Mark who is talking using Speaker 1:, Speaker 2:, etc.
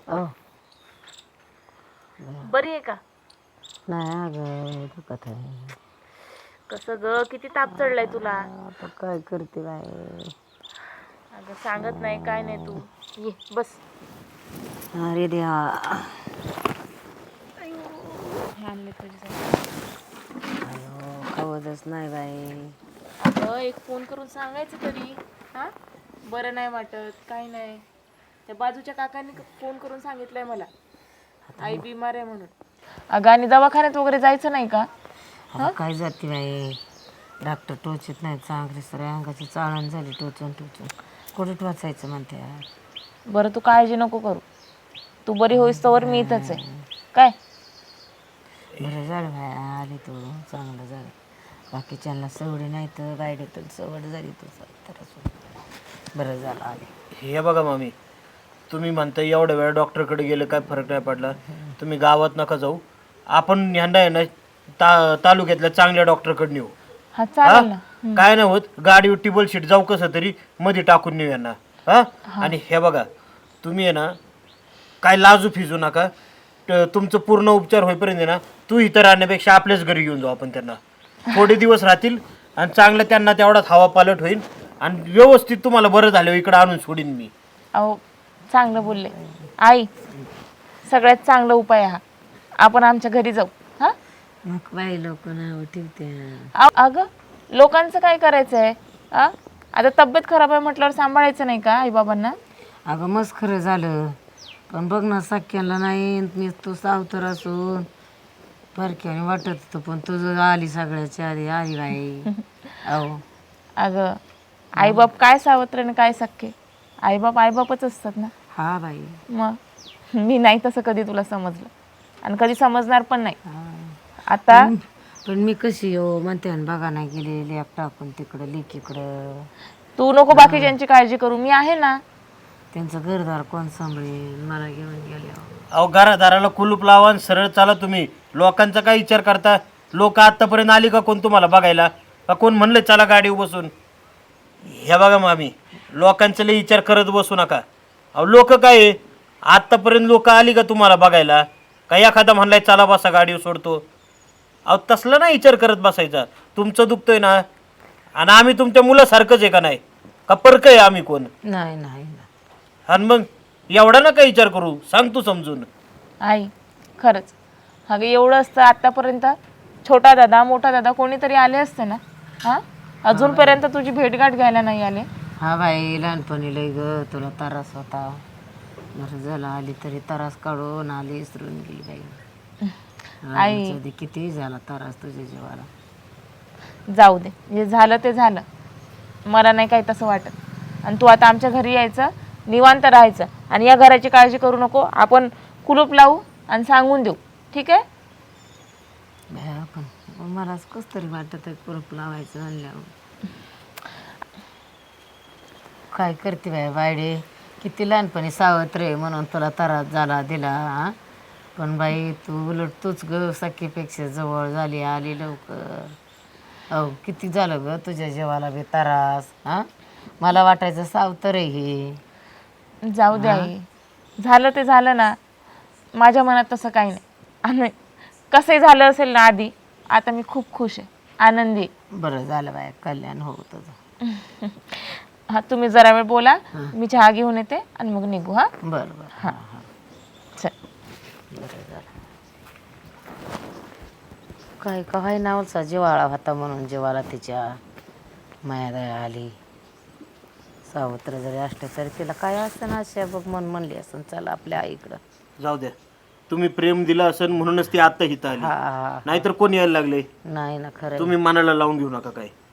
Speaker 1: ओ
Speaker 2: बरी आहे का?
Speaker 1: नाही अगं दुखत आहे.
Speaker 2: कसं ग, किती ताप चढलाय तुला?
Speaker 1: आता काय करते बाय.
Speaker 2: अगं सांगत नाही काय नाही तू. ये बस.
Speaker 1: अरे देवा.
Speaker 2: हे आणले तुझ्यासाठी.
Speaker 1: अयो कवचच नाही बाई.
Speaker 2: अगं एक फोन करून सांगायचं तरी. हा, बरं नाही वाटत काय नाही. त्या बाजूच्या काकांनी फोन करून सांगितलंय मला आई बिमार आहे म्हणून. अगं आणि दवाखान्यात वगैरे जायचं नाही का?
Speaker 1: आता काय जाते बाई. डॉक्टर टोचत नाही चांगली सगळ्या अंगाची चाळण झाली टोचून टोचून. कुठे टोचायचं म्हणते यार.
Speaker 2: बरं तू काळजी नको करू. तू बरी होईस तोवर मी इथंच आहे काय.
Speaker 1: बरं झालं बाय आली तू चांगलं झालं. बाकीच्यांना सवडी नाही तर गायडे तर सवड झाली तुझं तर बरं झालं आले.
Speaker 3: हे बघा मामी, तुम्ही म्हणता एवढ्या वेळा डॉक्टरकडे गेले काय फरक नाही पडला. तुम्ही गावात नका जाऊ. आपण ह्यांना आहे ना तालुक्यातल्या चांगल्या डॉक्टरकडे नेऊ.
Speaker 2: हा चालेल ना.
Speaker 3: काय नाही होत, गाडी टेबल शीट जाऊ कसं तरी मध्ये टाकून नेऊ यांना. हा, आणि हे बघा तुम्ही आहे ना काय लाजू फिजू नका. तुमचं पूर्ण उपचार होईपर्यंत आहे ना तू इथं राहण्यापेक्षा आपल्याच घरी घेऊन जाऊ आपण त्यांना. थोडे दिवस राहतील आणि चांगलं त्यांना तेवढाच हवा पालट होईल आणि व्यवस्थित तुम्हाला बरं झालं इकडं आणून सोडीन मी.
Speaker 2: अहो चांगलं बोलले आई. सगळ्यात चांगला उपाय हा. आपण आमच्या घरी जाऊ. हा
Speaker 1: मग बाई लोक नाव ठेवते.
Speaker 2: अगं लोकांचं काय करायचंय? आता तब्येत खराब आहे म्हटल्यावर सांभाळायचं नाही का आई बाबांना?
Speaker 1: अगं मस्त खरं झालं. पण बघ ना सख्याला नाही मी तू सावतर असून परक्याने वाटत होतं पण तुझं आली सगळ्याच्या आधी आली बाई. अहो
Speaker 2: अगं आईबाप काय सावत्र काय सख्खे. आईबाप आईबापच असतात ना.
Speaker 1: हा बाई.
Speaker 2: मग मी नाही तसं कधी तुला समजलं आणि कधी समजणार पण नाही.
Speaker 1: हा.
Speaker 2: आता
Speaker 1: पण मी कशी हो म्हणते बघा नाही गेले लॅप टाकून तिकडं लेकीकडं.
Speaker 2: तू नको बाकीच्यांची काळजी करू, मी आहे ना.
Speaker 1: त्यांचं घरदार कोण सांभाळेल मला घेऊन गेले.
Speaker 3: अहो घरादाराला कुलूप लावा आणि सरळ चाला तुम्ही. लोकांचा काय विचार करता? लोक आतापर्यंत आली का कोण तुम्हाला बघायला? का कोण म्हणलं चला गाडी बसून? हे बघा मामी, लोकांचा लय विचार करत बसू नका. अहो लोक काय आहे, आत्तापर्यंत लोक आली का तुम्हाला बघायला? का एखादा म्हणलाय चला बसा गाडी सोडतो? अहो तसला नाही विचार करत बसायचा. तुमचं दुखतंय ना आणि आम्ही तुमच्या मुलासारखंच आहे का नाही? का परक आहे आम्ही कोण?
Speaker 1: नाही नाही
Speaker 3: आणि मग एवढा ना काय विचार करू, सांग तू समजून.
Speaker 2: आई खरंच अगं एवढं असतं आतापर्यंत छोटा दादा मोठा दादा कोणीतरी आले असते ना. हा अजूनपर्यंत तुझी भेटगाठ घ्यायला नाही आले.
Speaker 1: हा बाई लहानपणी लय ग तुला त्रास होता. बरं झालं आली तरी त्रास काढून आली इसरून गेली बाई. आई किती झाला त्रास तुझ्या जीवाला.
Speaker 2: जाऊ दे, जे झालं ते झालं. मला नाही काही तसं वाटत. आणि तू आता आमच्या घरी यायचं, निवांत राहायचं आणि या घराची काळजी करू नको. आपण कुलूप लावू आणि सांगून देऊ, ठीक आहे?
Speaker 1: पण मलाच कस तरी वाटत आहे कुलूप लावायचं म्हणल्यावर. काय करते बाय बायडे, किती लहानपणी सावत्र आहे म्हणून तुला त्रास झाला दिला. हा पण बाई तू उलट तूच ग सखीपेक्षा जवळ झाली आली लवकर. अहो किती झालं ग तुझ्या जीवाला बी त्रास. हा मला वाटायचं सावतर आहे हे.
Speaker 2: जाऊ दे आई, झालं ते झालं ना. माझ्या मनात तसं काही नाही. आणि कसंही झालं असेल ना आधी, आता मी खूप खुश आहे, आनंदी आहे.
Speaker 1: बरं झालं बाय कल्याण हो तुझं.
Speaker 2: हा तुम्ही जरा वेळ बोला, मी चहा घेऊन येते आणि मग निघू. हा
Speaker 1: बरं बरं
Speaker 2: हां चल.
Speaker 1: बरं झालं. काय काय नावचा जिवाळा होता म्हणून जीवाला तिच्या माया दया आली. सावत्र जरी असलं तरी तिला काय असतं ना अशा बघ मन म्हणली असं चला आपल्या आईकडं.
Speaker 3: जाऊ द्या, तुम्ही प्रेम दिलं असेल म्हणूनच ती आत्ता हिथं आली.
Speaker 1: हा
Speaker 3: नाहीतर कोण यायला लागले.
Speaker 1: नाही ना खरं.
Speaker 3: तुम्ही मनाला लावून घेऊ नका काय.